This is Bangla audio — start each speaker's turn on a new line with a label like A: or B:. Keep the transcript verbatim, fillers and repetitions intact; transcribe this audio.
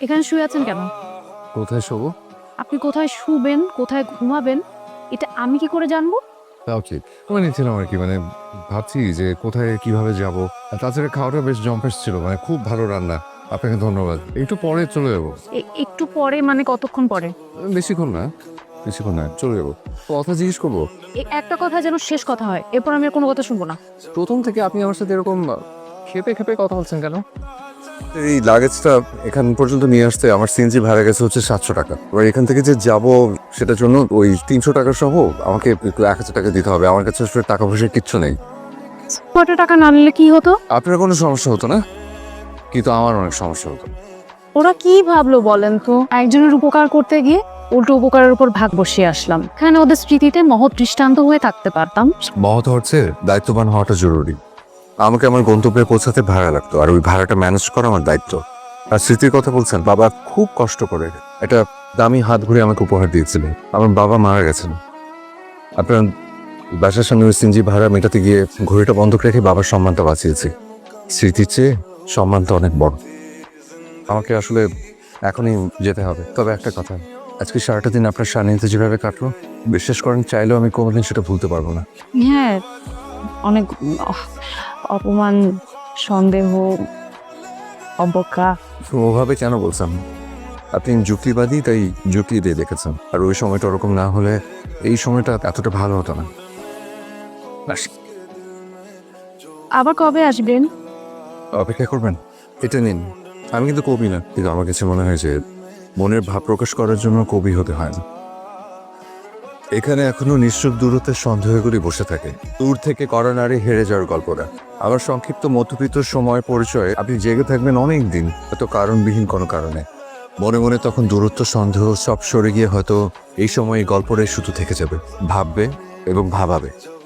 A: এখানে শুয়ে আছেন কেন?
B: কোথায় শোবো?
A: আপনি কোথায় শুবেন, কোথায় ঘুমাবেন, এটা আমি কি করে জানবো?
B: তাও ঠিক। আমি নিচ্ছিলাম আর কি, মানে ভাবছি যে কোথায় কিভাবে যাব। আর তাছাড়া খাওয়াটা বেশ জম্পেশ ছিল, মানে খুব ভালো রান্না। আপনাকে ধন্যবাদ। একটু পরে চলে যাবো।
A: এ- একটু পরে মানে কতক্ষণ পরে?
B: বেশিক্ষণ না, বেশিক্ষণ না, চলে যাবো। কথা জিজ্ঞেস করবো?
A: এই একটা কথা যেন শেষ কথা হয়, এরপর আমি আর কোনো কথা শুনবো না।
B: প্রথম থেকে আপনি আমার সাথে এরকম খেপে খেপে কথা বলছেন কেন? এই লাগেজটা এখান পর্যন্ত নিয়ে আসতে আমার সিএনজি ভাড়া গেছে হচ্ছে সাতশো টাকা। এবার এখান থেকে যে যাব সেটার জন্য ওই তিনশো টাকা সহ আমাকে একটু এক হাজার টাকা দিতে হবে। আমার কাছে আসলে টাকা পয়সা কিচ্ছু নেই।
A: কত টাকা না নিলে কি হতো?
B: আপনার কোনো সমস্যা হতো না, কিন্তু আমার অনেক সমস্যা হতো।
A: ওরা কি ভাবলো বলেন তো? একজনের উপকার করতে গিয়ে উল্টো উপকারের উপর ভাগ বসিয়ে আসলাম। এখানে ওদের স্মৃতিতে মহৎ দৃষ্টান্ত হয়ে থাকতে পারতাম।
B: মহৎ হচ্ছে দায়িত্ববান হওয়াটা জরুরি। আমাকে আমার গন্তব্যে পৌঁছাতে ভাড়া লাগতো, আর ওই ভাড়াটা ম্যানেজ করা আমার দায়িত্ব। আর স্মৃতির কথা বলছেন, বাবা খুব কষ্ট করে একটা দামি হাত ঘুরে আমাকে উপহার দিয়েছিলেন। আমার বাবা মারা গেছেন। আপনার বাসার সামনে ওই সিনজি ভাড়া মেটাতে গিয়ে ঘড়িটা বন্ধক রেখে বাবার সম্মানটা বাঁচিয়েছি। স্মৃতির চেয়ে সম্মানটা অনেক বড়। আমাকে আসলে এখনই যেতে হবে। তবে একটা কথা, আজকে সারাটা দিন আপনার সান্নিধ্যে যেভাবে কাটলো, বিশ্বাস করেন চাইলেও আমি কোনোদিন সেটা ভুলতে পারবো না।
A: হ্যাঁ, অনেক আহ, অপমান, সন্দেহ, অবজ্ঞা।
B: তো ওভাবে কেন বলছেন? আপনি যুক্তিবাদী, তাই যুক্তি দিয়ে দেখেছেন। আর ওই সময়টা ওরকম না হলে এই সময়টা এতটা ভালো হতো না। ব্যাস,
A: আবার কবে আসবেন?
B: অপেক্ষা করবেন? এটা নিন। আমি কিন্তু কবি না, কিন্তু আমার কাছে মনে হয় যে মনের ভাব প্রকাশ করার জন্য কবি হতে হয় না। এখানে এখনো নিশ্চুপ দূরত্বের সন্দেহগুলি বসে থাকে, দূর থেকে করা নারী হেরে যাওয়ার গল্পটা। আমার সংক্ষিপ্ত মধ্যবিত্ত সময় পরিচয়ে আপনি জেগে থাকবেন অনেক দিন, হয়তো কারণবিহীন কোনো কারণে। মনে মনে তখন দূরত্ব, সন্দেহ সব সরে গিয়ে হয়তো এই সময় এই গল্পটাই শুধু থেকে যাবে, ভাববে এবং ভাবাবে।